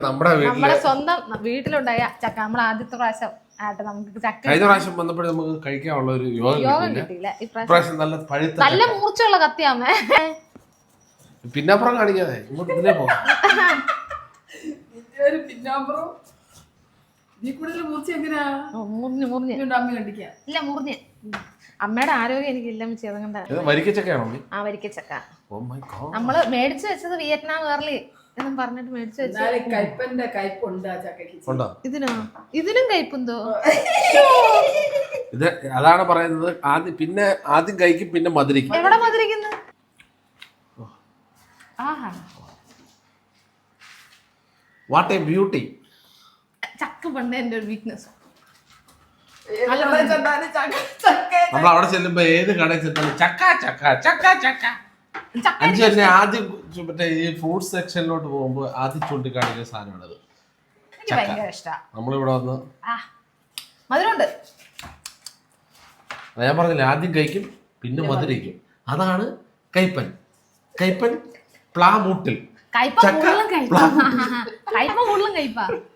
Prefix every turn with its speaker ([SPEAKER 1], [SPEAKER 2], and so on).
[SPEAKER 1] നമ്മുടെ സ്വന്തം വീട്ടിലുണ്ടായ ചക്ക. നമ്മൾ ആദ്യത്തെ പ്രാവശ്യം ആട്ടെ നമുക്ക് ചക്ക
[SPEAKER 2] കഴിഞ്ഞ പ്രാവശ്യം വന്നപ്പോഴും നമുക്ക് കഴിക്കാനുള്ള ഒരു യോഗം
[SPEAKER 1] കിട്ടിയില്ല.
[SPEAKER 2] ഇപ്രാവശ്യം നല്ല പഴുത്ത
[SPEAKER 1] നല്ല മൂർച്ചയുള്ള കത്തിയാമേ.
[SPEAKER 2] പിന്നാപ്പുറം കാണിക്കാതെ ഇങ്ങോട്ട് ഇതിലേ പോ.
[SPEAKER 1] അമ്മയുടെ ആരോഗ്യം എനിക്കില്ല ചെറുകണ്ട.
[SPEAKER 2] വരിക്കച്ചക്കയാണോ?
[SPEAKER 1] ആ വരിക്കച്ചക്ക നമ്മള് മേടിച്ചു വെച്ചത് വിയറ്റ്നാം കേരളി എന്നും പറഞ്ഞിട്ട് മേടിച്ചു വെച്ചത്. ഇതിനും കയ്പുണ്ടോ?
[SPEAKER 2] ഇത് അതാണ് പറയുന്നത്. ആദ്യം കഴിക്കും പിന്നെ മധുരിക്കും.
[SPEAKER 1] എവിടെ മധുരിക്കുന്നു?
[SPEAKER 2] What A beauty.
[SPEAKER 1] ചക്ക പണ്ട് എന്റെ ഒരു വീക്ക്നെസ്.
[SPEAKER 2] നമ്മൾ അവിടെ ചെല്ലുമ്പോ ഏത് കടയിൽ ചെന്നാലും ചക്ക ചക്ക ചക്ക ചക്ക. അഞ്ചു തന്നെ ആദ്യം മറ്റേ ഈ ഫ്രൂട്ട് സെക്ഷനിലോട്ട് പോകുമ്പോ ആദ്യം ചൂണ്ടിക്കാണിക്കുന്ന സാധനമാണത്.
[SPEAKER 1] എനിക്ക് ഭയങ്കര ഇഷ്ടമാണ്.
[SPEAKER 2] നമ്മളിവിടെ വന്ന്
[SPEAKER 1] മധുരമുണ്ട്.
[SPEAKER 2] ഞാൻ പറഞ്ഞില്ല, ആദ്യം കഴിക്കും പിന്നെ മധുരിക്കും. അതാണ് കയ്പൻ. കയ്പൻ പ്ലാമൂട്ടിൽ
[SPEAKER 1] കയ്പ കൂടുതലും കയ്പ.